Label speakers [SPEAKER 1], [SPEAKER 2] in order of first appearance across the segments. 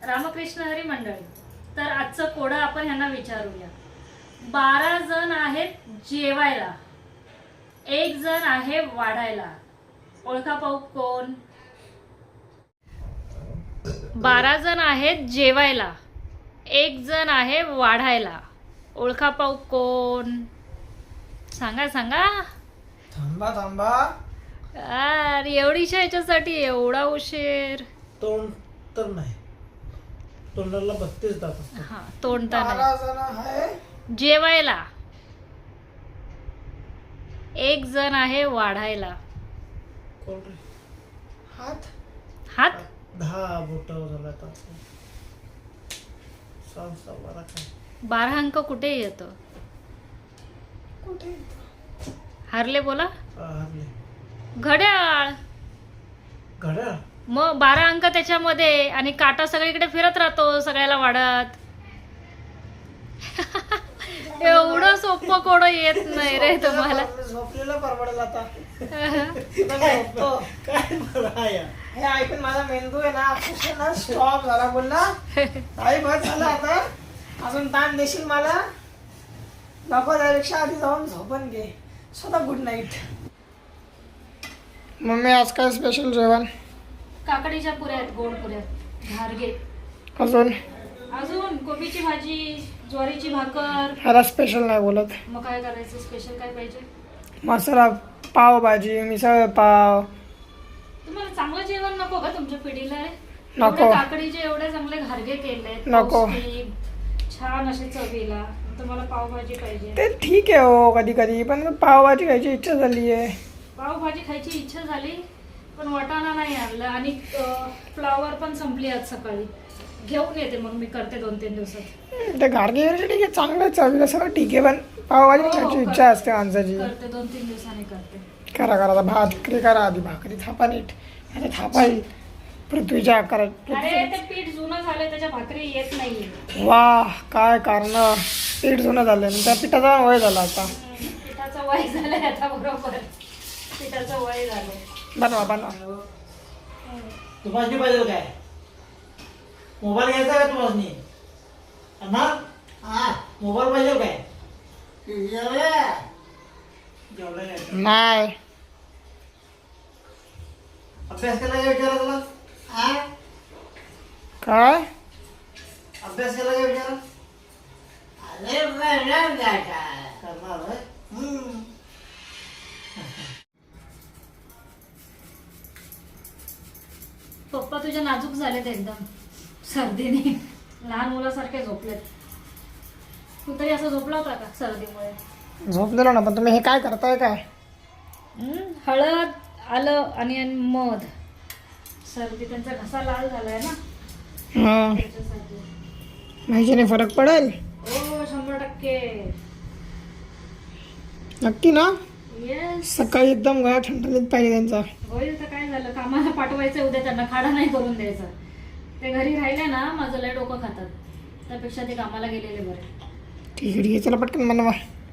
[SPEAKER 1] रामकृष्ण हरी मंडळी. तर आजचं कोडं आपण ह्यांना विचारूया. 12 जण आहेत जेवायला, 1 जण आहे वाढायला. ओळखा पाहू कोण? 12 जण आहेत जेवायला, 1 जण आहे वाढायला. ओळखा पाहू कोण? सांगा सांगा.
[SPEAKER 2] थांबा थांबा.
[SPEAKER 1] अरे एवढीशा ह्याच्यासाठी एवढा उशीर?
[SPEAKER 2] तोंड तर नाही, तोंडाला 32 दात असतात.
[SPEAKER 1] हा, तोंड तर
[SPEAKER 2] 12
[SPEAKER 1] नाही.
[SPEAKER 2] जण आहे
[SPEAKER 1] जेवायला, 1 जण आहे वाढायला.
[SPEAKER 2] कोण रे? हात
[SPEAKER 1] हात
[SPEAKER 2] 10 बोट झाला आता. 6 काय
[SPEAKER 1] 12 अंक कुठे येतो?
[SPEAKER 2] कुठे?
[SPEAKER 1] हारले बोला.
[SPEAKER 2] हरले.
[SPEAKER 1] घड्याळ.
[SPEAKER 2] घड्याळ.
[SPEAKER 1] मग 12 अंक त्याच्यामध्ये आणि काटा सगळीकडे फिरत राहतो सगळ्याला वाढत. एवढं सोपं कोडं येत नाही रे तुम्हाला.
[SPEAKER 2] झोपलेला परवडेल आता. झोपतो. काय बरं आहे हे ऐकून माझा मेंदू आहे ना अक्षरशः ना स्टॉप झाला. बोलला आई बस झालं आता, अजून ताण देशील मला? नको, त्यापेक्षा आधी जाऊन झोपून घे. स्वतः गुड नाईट. मम्मी आज काय स्पेशल जेवण?
[SPEAKER 1] काकडीच्या पुऱ्या आहेत, गोड पुऱ्या, घारगे.
[SPEAKER 2] अजून
[SPEAKER 1] अजून कोबीची भाजी, ज्वारीची भाकर.
[SPEAKER 2] ह्याला स्पेशल नाही बोलत.
[SPEAKER 1] मग काय करायचं? स्पेशल काय पाहिजे?
[SPEAKER 2] मसाला पावभाजी, मिसळ पाव.
[SPEAKER 1] तुम्हाला चांगलं जेवण नको का तुमच्या पिढीला?
[SPEAKER 2] नको.
[SPEAKER 1] एवढे काकडीचे एवढे चांगले घारगे केले,
[SPEAKER 2] नको.
[SPEAKER 1] छान असे चवीला. तुम्हाला पावभाजी पाहिजे?
[SPEAKER 2] ते ठीक आहे हो, कधी कधी, पण पावभाजी खायची इच्छा झाली आहे.
[SPEAKER 1] पावभाजी खायची इच्छा झाली, पण वाटाणा नाही आणलं आणि फ्लावर पण संपली आज सकाळी. घेऊन येते मग, मी करते 2-3 दिवसात.
[SPEAKER 2] ते घारगे ठीक आहे, चांगलं चवीला सगळं ठीक आहे, पण पावभाजी खायची इच्छा असते माणसाची.
[SPEAKER 1] करते 2-3 दिवसांनी करते.
[SPEAKER 2] करा करा, भाकरी करा आधी. भाकरी थापा नीट. आता थापा येईल पृथ्वीच्या आकारात.
[SPEAKER 1] अरे ते पीठ जुनं झालं, त्याच्या भाकरी येत नाहीये.
[SPEAKER 2] वाह, काय कारण. पीठ जुनं झालं, त्या पिठाचा वय झाला आता.
[SPEAKER 1] पिठाचं वय झालंय आता. बरोबर, पिठाचं वय झालंय.
[SPEAKER 2] बनवा बनवा.
[SPEAKER 3] तुम्हाला पाहिजे काय? मोबाईल घ्यायचा का तुम्हाला? मोबाईल पाहिजे काय?
[SPEAKER 2] नाही
[SPEAKER 3] अभ्यास केला का विचारा तुला?
[SPEAKER 2] काय
[SPEAKER 3] अभ्यास केला का विचारा? करणार होय?
[SPEAKER 1] पप्पा तुझ्या नाजूक झालेत एकदम सर्दीने. लहान मुलासारखे झोपलेत. तू तरी असं झोपला होता का सर्दीमुळे?
[SPEAKER 2] झोपलेलो ना, पण तुम्ही हे काय करताय काय?
[SPEAKER 1] हळद, आलं आणि मध. सर्दी, त्यांचा घसा लाल झालाय ना त्याच्यासाठी.
[SPEAKER 2] ह्याच्याने फरक पडेल?
[SPEAKER 1] हो, 100%.
[SPEAKER 2] नक्की ना?
[SPEAKER 1] येस.
[SPEAKER 2] सकाळी एकदम गळा ठणठणीत पाहिजे त्यांचा.
[SPEAKER 1] होईल तर काय झालं, कामाला पाठवायचं उद्या, त्यांना खाडा नाही करून द्यायचा. ते घरी राहिले ना माझं लय डोकं खातात, त्यापेक्षा ते कामाला गेलेले बरे.
[SPEAKER 2] ठीक आहे ठीक आहे, चला पटकन बनवा.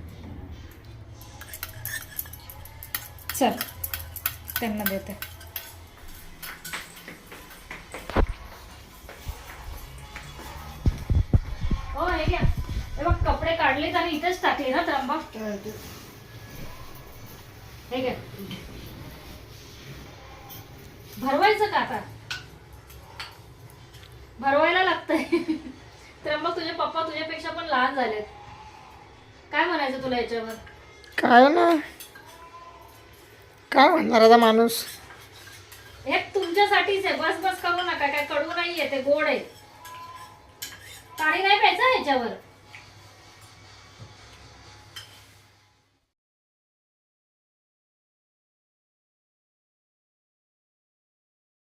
[SPEAKER 1] चल त्यांना देते. हो, हे घ्या. हे बघ, कपडे काढलेत आणि इथेच टाकले ना त्र्यंबा. हे घ्या. भरवायचं का आता? भरवायला लागतंय. त्र्यंबक, तुझे पप्पा तुझ्यापेक्षा पण लहान झालेत. काय म्हणायचं तुला याच्यावर?
[SPEAKER 2] काय ना, काय म्हणणार आता माणूस.
[SPEAKER 1] हे तुमच्यासाठीच आहे. बस बस करू नका. काय कडू नाहीये, ते गोड आहे. पाणी नाही प्यायचं ह्याच्यावर.